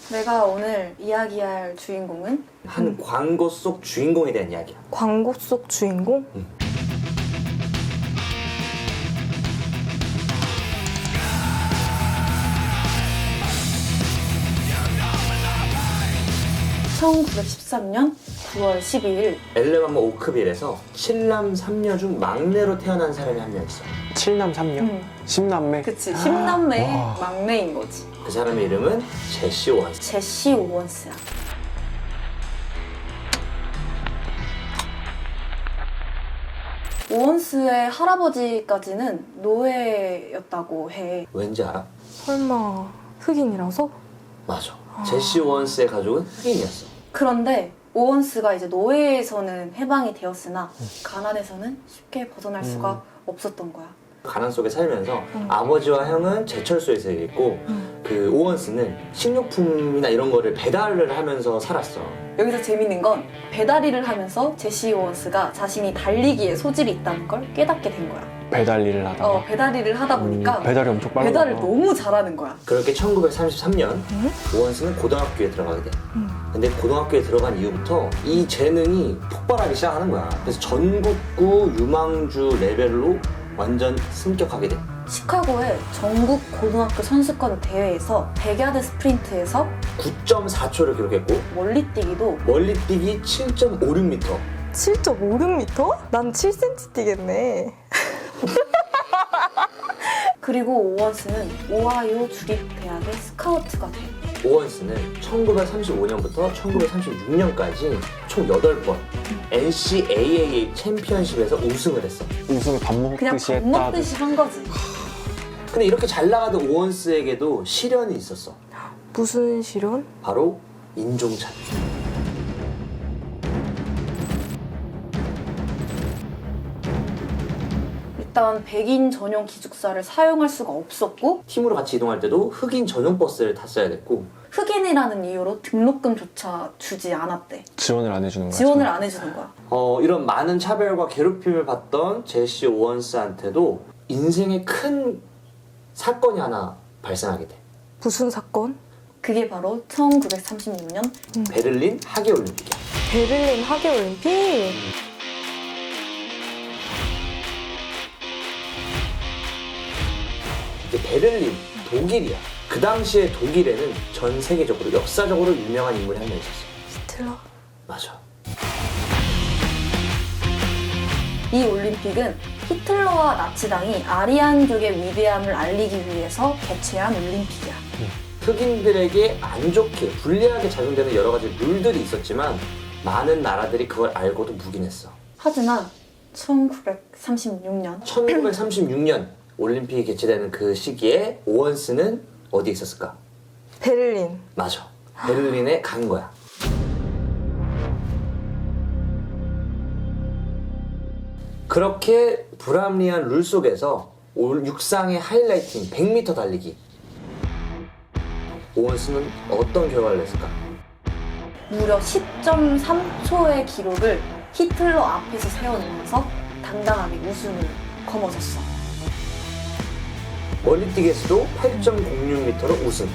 내가 오늘 이야기할 주인공은 한 광고 속 주인공에 대한 이야기야. 광고 속 주인공? 응. (1913년 9월 12일) 엘레마모 오크빌에서 7남 3녀 중 막내로 태어난 사람이 한 명 있어. 7남 3녀? 10남매? 그치, 10남매의 와. 막내인 거지. 그 사람의 이름은 제시 오원스. 제시 오원스야. 오원스의 할아버지까지는 노예였다고 해. 왠지 알아? 설마 흑인이라서? 맞아. 제시 오원스의 가족은 흑인이었어. 그런데 오원스가 이제 노예에서는 해방이 되었으나 가난에서는 쉽게 벗어날 수가 없었던 거야. 가난 속에 살면서 아버지와 형은 제철소에서 일했고 그 오원스는 식료품이나 이런 거를 배달을 하면서 살았어. 여기서 재밌는 건 배달 일을 하면서 제시 오원스가 자신이 달리기에 소질이 있다는 걸 깨닫게 된 거야. 배달 일을 하다가? 배달 일을 하다 보니까 배달이 엄청 빠르다. 배달을 너무 잘하는 거야. 그렇게 1933년 오원스는 고등학교에 들어가게 돼. 근데 고등학교에 들어간 이후부터 이 재능이 폭발하기 시작하는 거야. 그래서 전국구 유망주 레벨로 완전 승격하게 돼. 시카고의 전국 고등학교 선수권 대회에서 100야드 스프린트에서 9.4초를 기록했고 멀리뛰기도 멀리뛰기 7.56m. 7.56m? 난 7cm 뛰겠네. 그리고 오원스는 오하이오 주립대학의 스카우트가 돼. 오원스는 1935년부터 1936년까지 총 8번 NCAA 챔피언십에서 우승을 했어. 우승을 밥 그냥 먹듯이 밥 했다. 먹듯이 한 거지. 근데 이렇게 잘 나가던 오원스에게도 시련이 있었어. 무슨 실현? 바로 인종차별. 일단 백인 전용 기숙사를 사용할 수가 없었고 팀으로 같이 이동할 때도 흑인 전용 버스를 탔어야 됐고 흑인이라는 이유로 등록금조차 주지 않았대. 지원을 안 해주는 거야. 지원을 안 해주는 거야. 이런 많은 차별과 괴롭힘을 받던 제시 오원스한테도 인생에 큰 사건이 하나 발생하게 돼. 무슨 사건? 그게 바로 1936년 베를린 하계올림픽이야. 베를린 하계올림픽? 이제 베를린, 독일이야. 그 당시에 독일에는 전 세계적으로 역사적으로 유명한 인물이 한 명 있었어. 히틀러? 맞아. 이 올림픽은 히틀러와 나치당이 아리안족의 위대함을 알리기 위해서 개최한 올림픽이야. 흑인들에게 안 좋게, 불리하게 작용되는 여러 가지 룰들이 있었지만 많은 나라들이 그걸 알고도 묵인했어. 하지만 1936년 1936년 올림픽이 개최되는 그 시기에 오원스는 어디에 있었을까? 베를린. 맞아. 베를린에 간 거야. 그렇게 불합리한 룰 속에서 육상의 하이라이트인 100m 달리기. 오원스는 어떤 결과를 냈을까? 무려 10.3초의 기록을 히틀러 앞에서 세워내면서 당당하게 우승을 거머쥐었어. 멀리뛰기에서도 8.06m로 우승.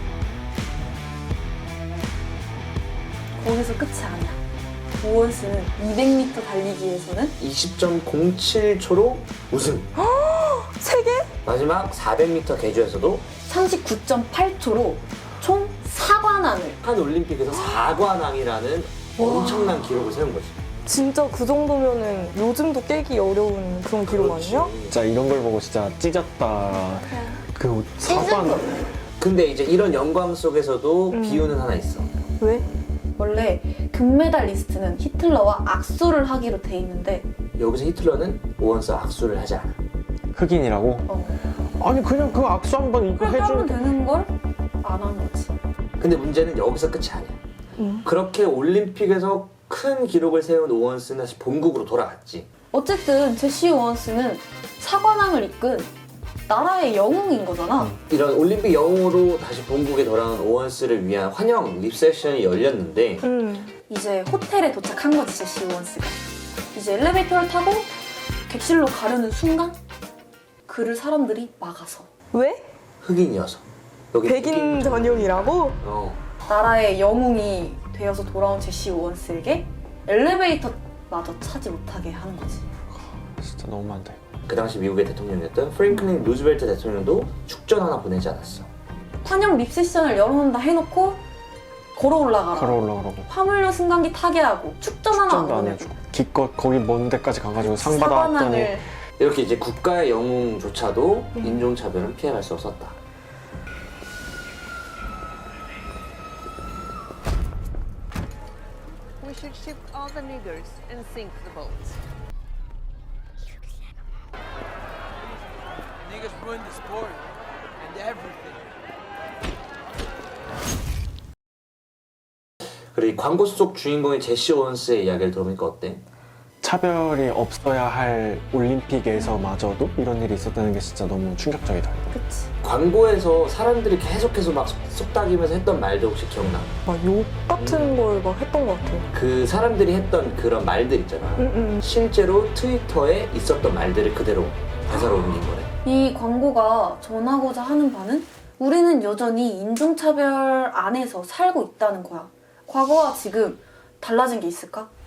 거기서 끝이 아니야. 오원스는 200m 달리기에서는 20.07초로 우승. 세 개? 마지막 400m 계주에서도 39.8초로 총 4관왕을. 한 올림픽에서 4관왕이라는 엄청난 기록을 세운 거지. 진짜 그 정도면은 요즘도 깨기 어려운 그런 기록 아니야? 진짜 이런 걸 보고 진짜 찢었다. 그 사관. 근데 이제 이런 영광 속에서도 비유는 하나 있어. 왜? 원래 금메달리스트는 히틀러와 악수를 하기로 돼 있는데 여기서 히틀러는 오원스와 악수를 하지 않아. 흑인이라고? 아니 그냥 그 악수 한번 이거 그렇게 하면 해주는. 되는 걸 안 한 거지. 근데 문제는 여기서 끝이 아니야. 그렇게 올림픽에서 큰 기록을 세운 오원스는 다시 본국으로 돌아갔지. 어쨌든 제시 오원스는 4관왕을 이끈 나라의 영웅인 거잖아. 이런 올림픽 영웅으로 다시 본국에 돌아온 오원스를 위한 환영 리셉션이 열렸는데 이제 호텔에 도착한 거지, 제시 오원스가. 이제 엘리베이터를 타고 객실로 가려는 순간 그를 사람들이 막아서. 왜? 흑인이어서. 여기 백인 전용이라고? 나라의 영웅이 되어서 돌아온 제시 오원스에게 엘리베이터마저 차지 못하게 하는 거지. 진짜 너무한데. 그 당시 미국의 대통령이었던 프랭클린 루즈벨트 대통령도 축전 하나 보내지 않았어. 환영 립세션을 열어놓는다 해놓고 걸어 올라가라. 걸어 올라가라고. 화물로 승강기 타게 하고 축전 하나 안 축전도 안 보내고. 해주고. 기껏 거기 먼 데까지 가가지고 상 받아왔더니 사관왕을 이렇게 이제 국가의 영웅조차도 인종차별은 피해갈 수 없었다. We should ship all the niggers and sink the boats. Niggas ruined the sport and everything. 그리고 이 광고 속 주인공의 제시 오원스의 이야기를 들어보니까 어때? 차별이 없어야 할 올림픽에서마저도 이런 일이 있었다는 게 진짜 너무 충격적이다. 그치. 광고에서 사람들이 계속해서 막 속닥이면서 했던 말도 혹시 기억나? 막 욕 같은 걸 막 했던 것 같아요. 그 사람들이 했던 그런 말들 있잖아. 실제로 트위터에 있었던 말들을 그대로 대사로 옮긴 거래. 이 광고가 전하고자 하는 바는 우리는 여전히 인종차별 안에서 살고 있다는 거야. 과거와 지금 달라진 게 있을까?